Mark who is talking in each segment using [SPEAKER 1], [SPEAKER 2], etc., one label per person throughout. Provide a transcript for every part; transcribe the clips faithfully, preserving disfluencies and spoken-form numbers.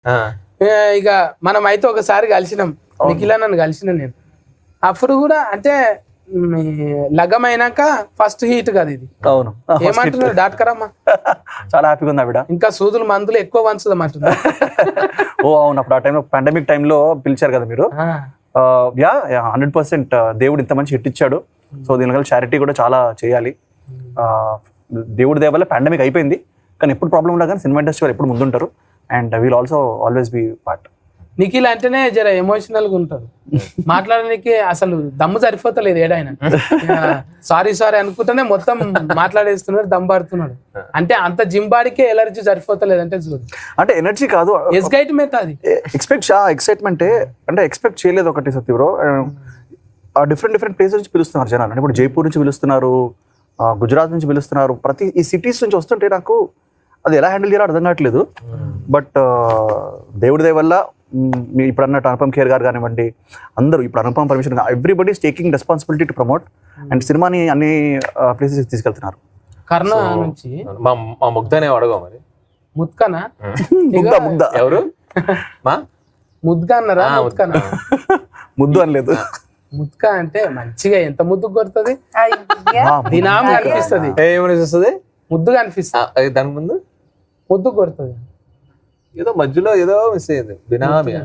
[SPEAKER 1] ఇక మనం అయితే ఒకసారి కలిసినాం, నిఖిల నన్ను కలిసిన నేను అప్పుడు కూడా అంటే లగ్గమైనాక ఫస్ట్ హీట్ కదా ఇది.
[SPEAKER 2] అవును,
[SPEAKER 1] ఏమంటున్నారు డాక్టర్ అమ్మా?
[SPEAKER 2] చాలా హ్యాపీగా ఉంది ఆవిడ.
[SPEAKER 1] ఇంకా సూదులు మందులు ఎక్కువ వంచుదాం అంటున్నారు.
[SPEAKER 2] ఓ అవును, అప్పుడు ఆ టైంలో పాండమిక్ టైంలో పిలిచారు కదా మీరు. యా హండ్రెడ్ పర్సెంట్ దేవుడు ఇంత మంచి హిట్ ఇచ్చాడు. సో దీనివల్ల చారిటీ కూడా చాలా చేయాలి. దేవుడి దయ వల్ల పాండమిక్ అయిపోయింది, కానీ ఎప్పుడు ప్రాబ్లం ఉండదు, కానీ సినిమా ఇండస్ట్రీ వాళ్ళు ఎప్పుడు ముందుంటారు. And will also always be part.
[SPEAKER 1] Nikhil అంటేనే జర ఎమోషనల్ గా ఉంటారు, మాట్లాడడానికి అసలు దమ్ము సరిపోతలేదు ఏడాయన. సారీ సారీ అనుకుంటేనే మొత్తం మాట్లాడేస్తున్నాడు, దమ్ పడుతున్నాడు. అంటే అంత జిమ్ బాడీకే ఎలర్జీ సరిపోతలేదు అంటే చూడు.
[SPEAKER 2] అంటే ఎనర్జీ కాదు,
[SPEAKER 1] ఎక్సైట్మెంట్ అది.
[SPEAKER 2] ఎక్స్పెక్ట్ ఎక్సైట్మెంట్ అంటే ఎక్స్పెక్ట్ చేయలేదు ఒకటి Satya bro. Different different places నుంచి పిలుస్తున్నారు జనాలు. అంటే ఇప్పుడు జైపూర్ నుంచి పిలుస్తున్నారు, గుజరాత్ నుంచి పిలుస్తున్నారు, ప్రతి ఈ సిటీస్ నుంచి వస్తుంటే నాకు అది ఎలా హ్యాండిల్ చేయాలో అర్థం కావట్లేదు. బట్ దేవుడి దయ వల్ల మీ ఇప్పుడు అన్నట్టు అనుపమ్ ఖేర్ గారు కానివ్వండి, అందరూ ఇప్పుడు Anupam permission, everybody is taking responsibility to promote and సినిమాని అన్ని ప్లేసెస్ తీసుకెళ్తున్నారు.
[SPEAKER 1] కర్ణ నుంచి
[SPEAKER 3] మా ముగ్ధనే అడగా మరి
[SPEAKER 1] ముత్కనా
[SPEAKER 2] ముగ్ధ ముగ్ధ
[SPEAKER 3] ఎవరు మా
[SPEAKER 1] ముద్దుగా అన్నారా? ముత్కనా
[SPEAKER 2] ముద్దు అనలేదు.
[SPEAKER 1] ముత్క అంటే మంచిగా ఎంత ముద్దు కొడుతుంది, దినాం కనిపిస్తుంది,
[SPEAKER 3] ఏమనిపిస్తుంది,
[SPEAKER 1] ముద్దుగా అనిపిస్తుంది.
[SPEAKER 3] దాని ముందు
[SPEAKER 1] ముద్దు కొడుతుంది,
[SPEAKER 3] ఏదో మధ్యలో ఏదో మిస్ అయ్యింది. బినామియా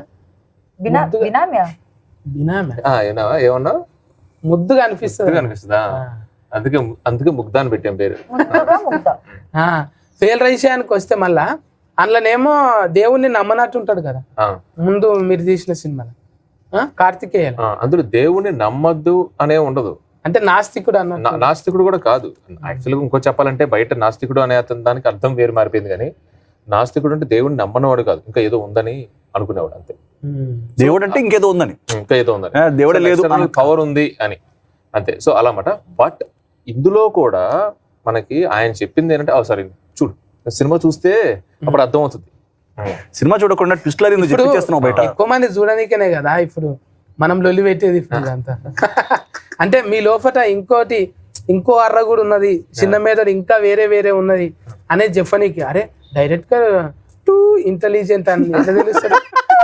[SPEAKER 3] ఏమన్నా
[SPEAKER 1] ముద్దుగా అనిపిస్తుంది
[SPEAKER 3] అనిపిస్తుందా? అందుకే అందుకే ముగ్ధ అని పెట్టాం పేరు.
[SPEAKER 1] ఫెయిల్ రైషయానికి వస్తే మళ్ళా అందులోనేమో దేవుణ్ణి నమ్మనట్టు ఉంటాడు కదా ముందు మీరు తీసిన సినిమాలో కార్తికేయ.
[SPEAKER 3] అందులో దేవుణ్ణి నమ్మద్దు అనే ఉండదు,
[SPEAKER 1] అంటే నాస్తికుడు అన్న.
[SPEAKER 3] నాస్తికుడు కూడా కాదు యాక్చువల్గా. ఇంకో చెప్పాలంటే బయట నాస్తికుడు అనే అతని దానికి అర్థం వేరు మారిపోయింది. కానీ నాస్తికుడు అంటే దేవుడిని నమ్మనవాడు కాదు, ఇంకా ఏదో ఉందని అనుకునేవాడు అంతే.
[SPEAKER 2] దేవుడు అంటే ఇంకేదో ఉందని,
[SPEAKER 3] ఇంకా ఏదో ఉందని,
[SPEAKER 2] దేవుడే లేదు
[SPEAKER 3] పవర్ ఉంది అని అంతే. సో అలా మాట. బట్ ఇందులో కూడా మనకి ఆయన చెప్పింది ఏంటంటే, సారీ చూడు సినిమా చూస్తే అప్పుడు అర్థం అవుతుంది.
[SPEAKER 2] సినిమా చూడకుండా ట్విస్ట్లర్ చేస్తున్నావు బయట.
[SPEAKER 1] ఎక్కువ మంది చూడడానికేనే కదా ఇప్పుడు మనం లొల్లి పెట్టేది ఇప్పుడు అంతా. అంటే మీ లోపల ఇంకోటి ఇంకో అర్ర కూడా ఉన్నది, చిన్న మీద ఇంకా వేరే వేరే ఉన్నది అనేది చెప్పనీకి. అరే డైరెక్ట్ గా టూ ఇంటెలిజెంట్ అని ఎట్లా తెలుస్తుంది?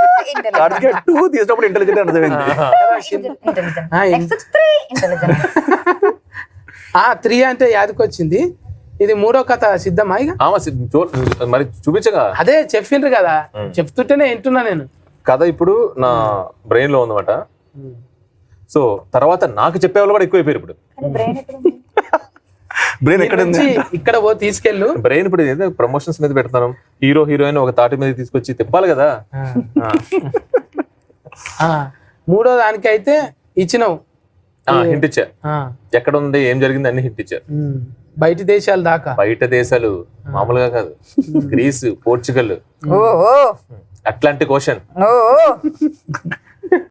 [SPEAKER 1] త్రీ అంటే యాదకొచ్చింది. ఇది మూడో కథ సిద్ధమా? ఇక
[SPEAKER 3] మరి చూపించగా
[SPEAKER 1] అదే చెప్పిండ్రు కదా, చెప్తుంటేనే వింటున్నా నేను.
[SPEAKER 3] కథ ఇప్పుడు నా బ్రెయిన్ లో ఉందన్నమాట. సో తర్వాత నాకు చెప్పేవాళ్ళు కూడా ఎక్కువైపోయారు. ఇప్పుడు
[SPEAKER 2] బ్రెయిన్ ఎక్కడ
[SPEAKER 1] ఇక్కడ పో తీసుకెళ్ళు.
[SPEAKER 3] బ్రెయిన్ ఇప్పుడు ఏదో ప్రమోషన్స్ మీద పెడతాను, హీరో హీరోయిన్ ఒక తాటి మీద తీసుకొచ్చి తిప్పాలి కదా.
[SPEAKER 1] మూడో దానికి అయితే ఇచ్చినావు,
[SPEAKER 3] హింట్ ఇచ్చా. ఎక్కడ ఉంది ఏం జరిగింది అన్ని హింట్ ఇచ్చారు.
[SPEAKER 1] బయట దేశాలు దాకా,
[SPEAKER 3] బయట దేశాలు మామూలుగా కాదు, గ్రీస్, పోర్చుగల్, అట్లాంటిక్ ఓషన్.